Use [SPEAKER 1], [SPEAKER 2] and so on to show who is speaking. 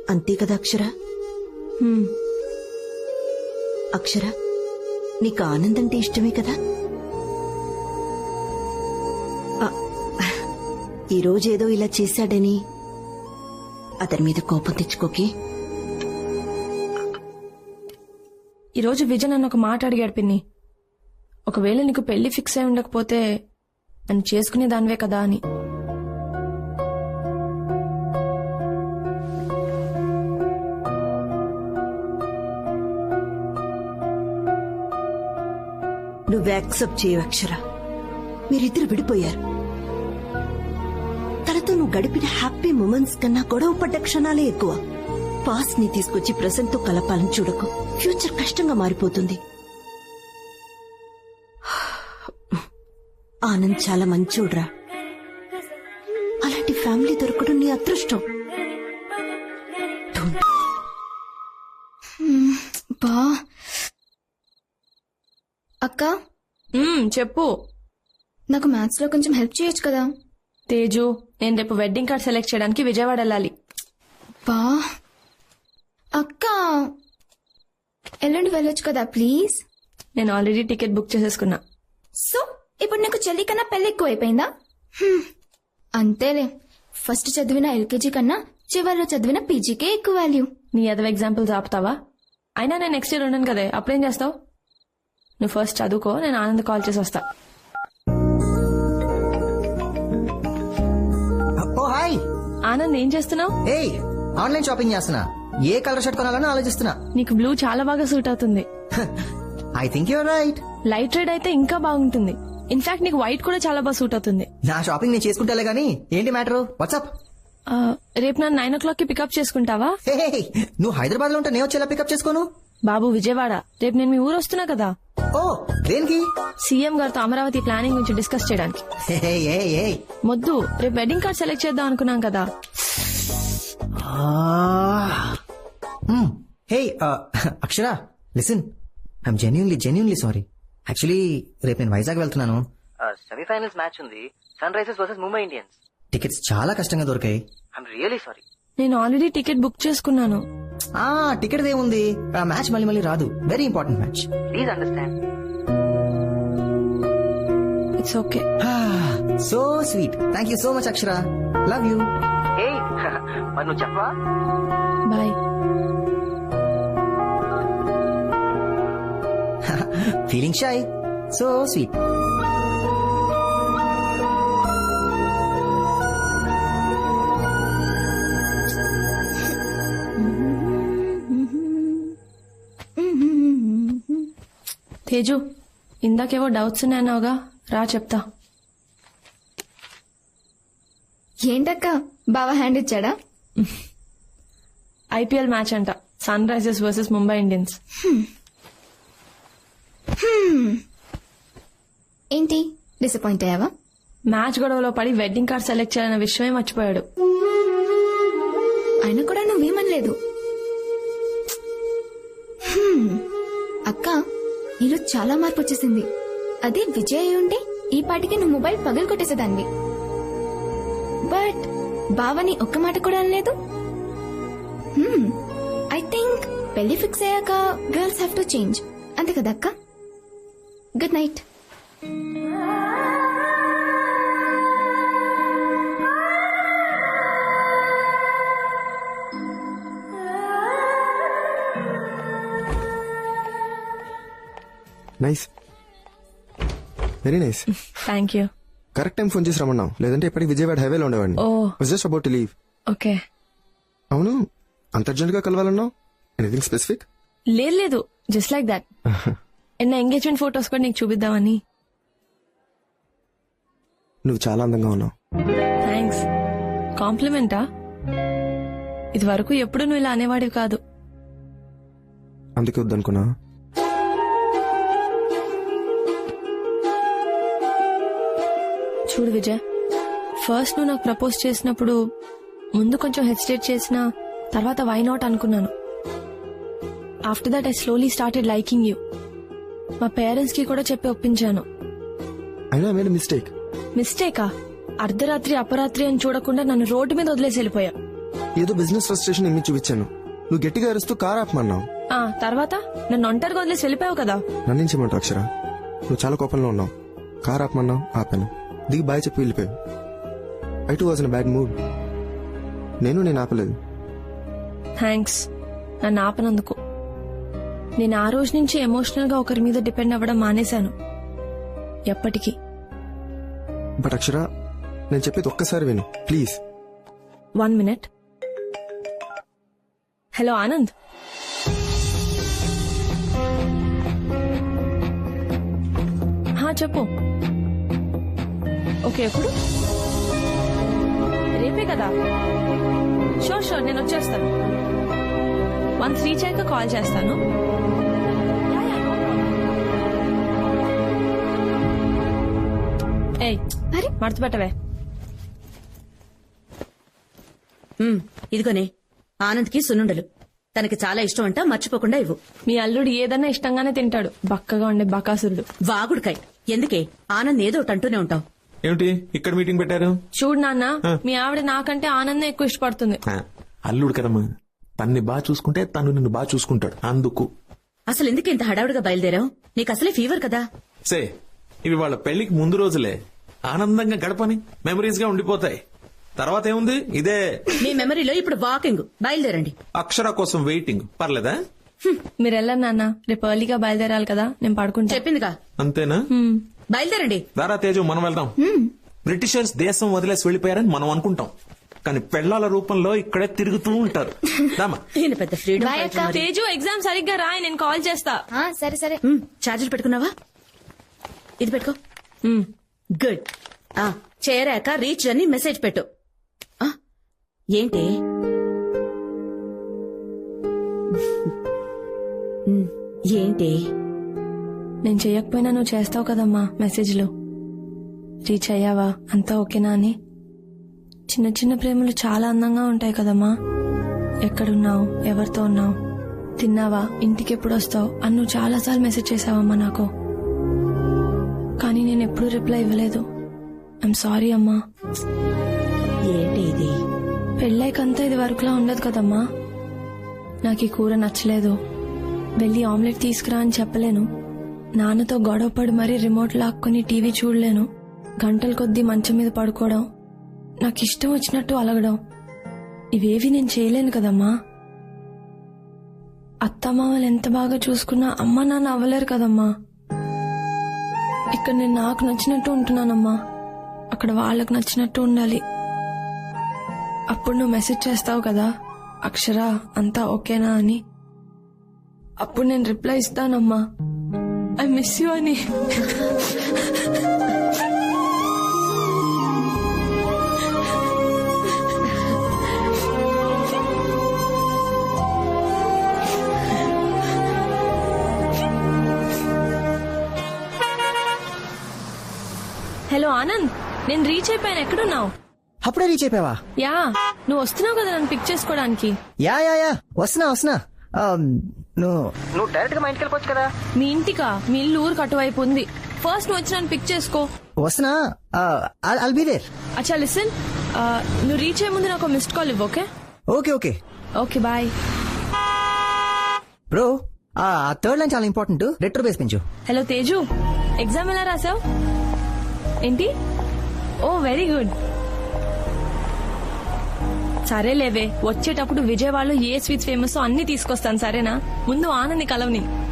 [SPEAKER 1] అంతే కదా అక్షర? అక్షర, నీకు ఆనంద్ అంటే ఇష్టమే కదా? ఈరోజేదో ఇలా చేశాడని అతని మీద కోపం తెచ్చుకోకే.
[SPEAKER 2] ఈరోజు విజయ్ నన్ను ఒక మాట అడిగాడు పిన్ని. ఒకవేళ నీకు పెళ్లి ఫిక్స్ అయి ఉండకపోతే నన్ను చేసుకునే దానివే కదా అని.
[SPEAKER 1] నువ్వు యాక్సెప్ట్ చేయవు అక్షర. మీరిద్దరు విడిపోయారు. తనతో నువ్వు గడిపిన హ్యాపీ మూమెంట్స్ కన్నా గొడవ పడ్డ క్షణాలే ఎక్కువ. పాస్ట్ ని తీసుకొచ్చి ప్రెసెంట్ తో కలపాలని చూడకు. ఫ్యూచర్ కష్టంగా మారిపోతుంది. ఆనంద్ చాలా మంచోడ్రా. అలాంటి ఫ్యామిలీ దొరకడం నీ అదృష్టం.
[SPEAKER 3] బా అక్క,
[SPEAKER 2] చెప్పు.
[SPEAKER 3] నాకు మ్యాథ్స్ లో కొంచెం హెల్ప్ చేయొచ్చు కదా?
[SPEAKER 2] తేజు, నేను రేపు వెడ్డింగ్ కార్డ్ సెలెక్ట్ చేయడానికి విజయవాడ వెళ్ళాలి.
[SPEAKER 3] బా అక్క, ఎల్లుండి వెళ్ళొచ్చు కదా ప్లీజ్?
[SPEAKER 2] నేను ఆల్రెడీ టికెట్ బుక్ చేసేసుకున్నా.
[SPEAKER 3] సో ఇప్పుడు నీకు చెల్లి కన్నా పెళ్లి ఎక్కువ అయిపోయిందా? అంతేలే, ఫస్ట్ చదివిన ఎల్కేజీ కన్నా చివరిలో చదివిన పీజీకే ఎక్కువ వాల్యూ.
[SPEAKER 2] నీ అదవ ఎగ్జాంపుల్స్ ఆపుతావా? అయినా నేను నెక్స్ట్ ఇయర్ ఉన్నాను కదే, అప్పుడేం చేస్తావు? నువ్వు ఫస్ట్ చదువుకో, నేను ఆనంద్ కాల్ చేసి వస్తా.
[SPEAKER 4] ఓ హాయ్
[SPEAKER 2] ఆనంద్, ఏం చేస్తున్నావు?
[SPEAKER 4] ఏయ్, ఆన్లైన్ షాపింగ్ చేస్తున్నా. ఏ కలర్ షర్ట్ కొనాలని ఆలోచిస్తున్నా.
[SPEAKER 2] నీకు బ్లూ చాలా బాగా సూట్ అవుతుంది.
[SPEAKER 4] I think you're right.
[SPEAKER 2] Light red అయితే ఇంకా బాగుంటుంది. ఇన్ఫాక్ట్ నీకు వైట్ కూడా చాలా బాగా సూట్ అవుతుంది.
[SPEAKER 4] నా షాపింగ్ నేను చేసుకుంటాలే గానీ ఏంటి మ్యాటర్? వాట్సాప్?
[SPEAKER 2] రేపు నన్ను 9 o'clock కి పికప్ చేసుకుంటావా?
[SPEAKER 4] నువ్వు హైదరాబాద్ లో ఉంటే నేను వచ్చేలా పికప్ చేసుకోను.
[SPEAKER 2] బాబు విజయవాడ, రేపు నేను మీ ఊరు వస్తున్నా కదా.
[SPEAKER 4] ఓ, దేనికి?
[SPEAKER 2] సీఎం గారితో అమరావతి ప్లానింగ్ గురించి డిస్కస్ చేయడానికి. మొద్దు, రేపు వెడ్డింగ్ కార్డ్ సెలెక్ట్ చేద్దాం అనుకున్నాం కదా.
[SPEAKER 4] Hey Akshara, listen, I'm genuinely sorry. Actually రేపు నేను వైజాగ్ వెళ్తున్నాను. సెమీఫైనల్స్ మ్యాచ్ ఉంది, Sunrisers versus Mumbai Indians. Tickets చాలా కష్టంగా దొరికాయి. I'm really sorry.
[SPEAKER 2] నేను ఆల్రెడీ టికెట్ బుక్ చేసుకున్నాను.
[SPEAKER 4] టికెట్ ఏముంది, ఆ మ్యాచ్ మళ్ళీ రాదు. Very important match. Please understand.
[SPEAKER 2] It's okay.
[SPEAKER 4] So sweet. Thank you so much Akshara. Love you. మరి నువ్వు చెప్పవా?
[SPEAKER 2] Bye.
[SPEAKER 4] Feeling shy. So sweet.
[SPEAKER 2] Teju, ఇందాకేవో డౌట్స్ ఉన్నాయన్నావుగా, రా చెప్తా.
[SPEAKER 3] ఏంటక్క, బావా హ్యాండ్ ఇచ్చాడా?
[SPEAKER 2] ఐపీఎల్ మ్యాచ్ అంట, Sunrisers versus Mumbai Indians.
[SPEAKER 3] ఏంటి, డిసప్పాయింట్ అయ్యావా?
[SPEAKER 2] మ్యాచ్ గొడవలో పడి వెడ్డింగ్ కార్డ్ సెలెక్ట్ చేయాలన్న విషయమే మర్చిపోయాడు.
[SPEAKER 3] అయినా కూడా నువ్వేమనలేదు. అక్క, నీలో చాలా మార్పు వచ్చేసింది. అదే విజయ్ అయి ఉంటే ఈ పాటికి నువ్వు మొబైల్ పగలు కొట్టేసేదాన్ని. బట్ బావని ఒక్క మాట కూడా అనలేదు. ఐ థింక్ పెళ్లి ఫిక్స్ అయ్యాక గర్ల్స్ హ్యావ్ టు చేంజ్, అంతే కదా అక్క? Good night.
[SPEAKER 5] Nice, very nice.
[SPEAKER 2] Thank you.
[SPEAKER 5] Correct time phone చేసి రమ్మన్నావు, లేదంటే ఇప్పటికి విజయవాడ హైవేలో ఉండేవాడిని. Just about to leave.
[SPEAKER 2] Okay.
[SPEAKER 5] అవును, అంత అర్జెంట్ గా కలవాలన్నావు? Anything specific?
[SPEAKER 2] లేదు, జస్ట్ లైక్ దాట్. నా ఎంగేజ్మెంట్ ఫొటోస్ కూడా నీకు చూపిద్దామని.
[SPEAKER 5] నువ్వు చాలా అందంగా ఉన్నావు.
[SPEAKER 2] థ్యాంక్స్. కాంప్లిమెంటా? ఇది వరకు ఎప్పుడు నువ్వు ఇలా అనేవాడివి కాదు.
[SPEAKER 5] అందుకే వద్దనుకున్నా.
[SPEAKER 2] చూడు విజయ్, ఫస్ట్ నువ్వు నాకు ప్రపోజ్ చేసినప్పుడు ముందు కొంచెం హెసిటేట్ చేసినా తర్వాత వై నాట్ అనుకున్నాను. After that I slowly started liking you. మా పేరెంట్స్ కి కూడా చెప్పి ఒప్పించాను.
[SPEAKER 5] అయినా మేడ్ మిస్టేక్.
[SPEAKER 2] మిస్టేకా? అర్ధరాత్రి అపరాత్రి అని చూడకుండా నన్ను రోడ్డు మీద వదిలేసి వెళ్ళిపోయా.
[SPEAKER 5] ఏదో బిజినెస్ ఫ్రస్ట్రేషన్ ఇమ్మి చూపించాను. నువ్వు గట్టిగా అరుస్తూ కార్ ఆపమన్నావు.
[SPEAKER 2] తర్వాత నన్ను ఒంటరిగా వదిలేసి వెళ్ళిపోయావు కదా.
[SPEAKER 5] నన్నించమంటావు అక్షర. నువ్వు చాలా కోపంలో ఉన్నావు. కార్ ఆపమన్నావు, ఆపాను. దిగి బాయ్ చెప్పి వెళ్ళిపోయావు. I too was in bad mood. నేను ఆపలేదు.
[SPEAKER 2] థ్యాంక్స్ నన్ను ఆపనందుకు. నేను ఆ రోజు నుంచి ఎమోషనల్ గా ఒకరి మీద డిపెండ్ అవ్వడం మానేశాను. ఎప్పటికీ.
[SPEAKER 5] బట్ అక్షర, నేను చెప్పేది ఒక్కసారి విను ప్లీజ్.
[SPEAKER 2] 1 minute. హలో ఆనంద్. చెప్పు. ఓకే, ఎప్పుడు? రేపే కదా. షూర్ నేను వచ్చేస్తాను. వన్స్ రీచ్ అయ్యాక కాల్ చేస్తాను. ఏయ్, మడత పెట్టవే.
[SPEAKER 1] ఇదిగోనే ఆనంద్కి సున్నుండలు. తనకి చాలా ఇష్టం అంట, మర్చిపోకుండా ఇవ్వు.
[SPEAKER 2] మీ అల్లుడు ఏదన్నా ఇష్టంగానే తింటాడు. బక్కగా ఉండే బకాసురుడు.
[SPEAKER 1] వాగుడుకాయ్. ఎందుకే ఆనంద్ ఏదో ఒకటి అంటూనే ఉంటావు.
[SPEAKER 6] ఏమిటి ఇక్కడ మీటింగ్ పెట్టారు?
[SPEAKER 2] చూడు నాన్న, మీ ఆవిడ నాకంటే ఆనందం ఎక్కువ ఇష్టపడుతుంది.
[SPEAKER 6] అల్లుడు కదమ్మా, తన్ని బాగా చూసుకుంటే తను నిన్ను బాగా చూసుకుంటాడు. అందుకు
[SPEAKER 1] అసలు ఎందుకు ఇంత హడావుడిగా బయలుదేరావు? నీకు అసలే ఫీవర్ కదా.
[SPEAKER 6] సే, ఇవి వాళ్ళ పెళ్లికి ముందు రోజులే. ఆనందంగా గడపని మెమరీస్ గా ఉండిపోతాయి. తర్వాత ఏముంది, ఇదే.
[SPEAKER 1] మీ మెమరీలో ఇప్పుడు వాకింగ్. బయలుదేరండి.
[SPEAKER 6] అక్షర కోసం వెయిటింగ్. పర్లేదా?
[SPEAKER 2] మీరు వెళ్ళండి నాన్న, రేపు ఎర్లీగా బయలుదేరాలి కదా. నేను పడుకుంటా.
[SPEAKER 1] చెప్పిందిగా.
[SPEAKER 6] అంతేనా?
[SPEAKER 1] బయలుదేరండి.
[SPEAKER 6] దారా తేజు, మనం వెళ్దాం. బ్రిటిషర్స్ దేశం వదిలేసి వెళ్లిపోయారని మనం అనుకుంటాం, కానీ పెళ్లాల రూపంలో ఇక్కడే తిరుగుతూ ఉంటారు.
[SPEAKER 1] ఈయన పెద్ద ఫ్రీడమ్.
[SPEAKER 2] తేజు, ఎగ్జామ్ సరిగ్గా రాయి, నేను కాల్ చేస్తా.
[SPEAKER 3] సరే సరే.
[SPEAKER 1] చార్జర్ పెట్టుకున్నావా? ఇది పెట్టుకో. గుడ్. చేరాక రీచ్ అని మెసేజ్ పెట్టు. ఏంటి ఏంటి
[SPEAKER 2] నేను చెయ్యకపోయినా నువ్వు చేస్తావు కదమ్మా మెసేజ్లు. రీచ్ అయ్యావా, అంతా ఓకేనా అని. చిన్న చిన్న ప్రేమలు చాలా అందంగా ఉంటాయి కదమ్మా. ఎక్కడున్నావు, ఎవరితో ఉన్నావు, తిన్నావా, ఇంటికి ఎప్పుడు వస్తావు అని నువ్వు చాలాసార్లు మెసేజ్ చేసావమ్మా నాకు. కానీ నేను ఎప్పుడూ రిప్లై ఇవ్వలేదు. ఐఎమ్ సారీ అమ్మా.
[SPEAKER 1] ఏంటి ఇది?
[SPEAKER 2] పెళ్ళైకంతా ఇది వరకులా ఉండదు కదమ్మా. నాకు ఈ కూర నచ్చలేదు, వెళ్ళి ఆమ్లెట్ తీసుకురా అని చెప్పలేను. నాన్నతో గొడవపడి మరీ రిమోట్ లాక్కుని టీవీ చూడలేను. గంటల కొద్దీ మంచం మీద పడుకోవడం, నాకు ఇష్టం వచ్చినట్టు అలగడం, ఇవేవి నేను చేయలేను కదమ్మా. అత్తమామలు ఎంత బాగా చూసుకున్నా అమ్మ నాన్న అవ్వలేరు కదమ్మా. ఇక్కడ నేను నాకు నచ్చినట్టు ఉంటున్నానమ్మా, అక్కడ వాళ్ళకు నచ్చినట్టు ఉండాలి. అప్పుడు నువ్వు మెసేజ్ చేస్తావు కదా, అక్షర అంతా ఓకేనా అని. అప్పుడు నేను రిప్లై ఇస్తానమ్మా, ఐ మిస్ యూ అని. హలో ఆనంద్, నేను రీచ్ అయిపోయాను. ఎక్కడున్నావు?
[SPEAKER 4] అప్పుడే రీచ్ అయిపోయావా?
[SPEAKER 2] యా, నువ్వు వస్తున్నావు కదా నన్ను పిక్ చేసుకోవడానికి.
[SPEAKER 4] యా వస్తున్నా. నువ్వు డైరెక్ట్ గా మా ఇంటికి వెళ్ళిపోవచ్చు కదా.
[SPEAKER 2] మీ ఇంటికా? మీ ఇల్లు ఊరికి అటువైపు ఉంది. ఫస్ట్ నువ్వు వచ్చి నన్ను పిక్ చేసుకో.
[SPEAKER 4] వస్తున్నా. I'll be there.
[SPEAKER 2] అచ్చా లిసన్, నువ్వు రీచ్ అయ్యే ముందు నాకు మిస్డ్ కాల్ ఇవ్వు. Okay okay bye.
[SPEAKER 4] బ్రో, ఆ థర్డ్ లైన్ చాలా ఇంపార్టెంట్. రెట్రో బేస్ పెంచు.
[SPEAKER 2] హలో తేజు, ఎగ్జామ్ ఎలా రాసావు? ఏంటి? Oh very good. సరే లేవే, వచ్చేటప్పుడు విజయవాడలో ఏ స్వీట్స్ ఫేమస్ అన్ని తీసుకొస్తాను, సరేనా? ముందు ఆనంది కలవని.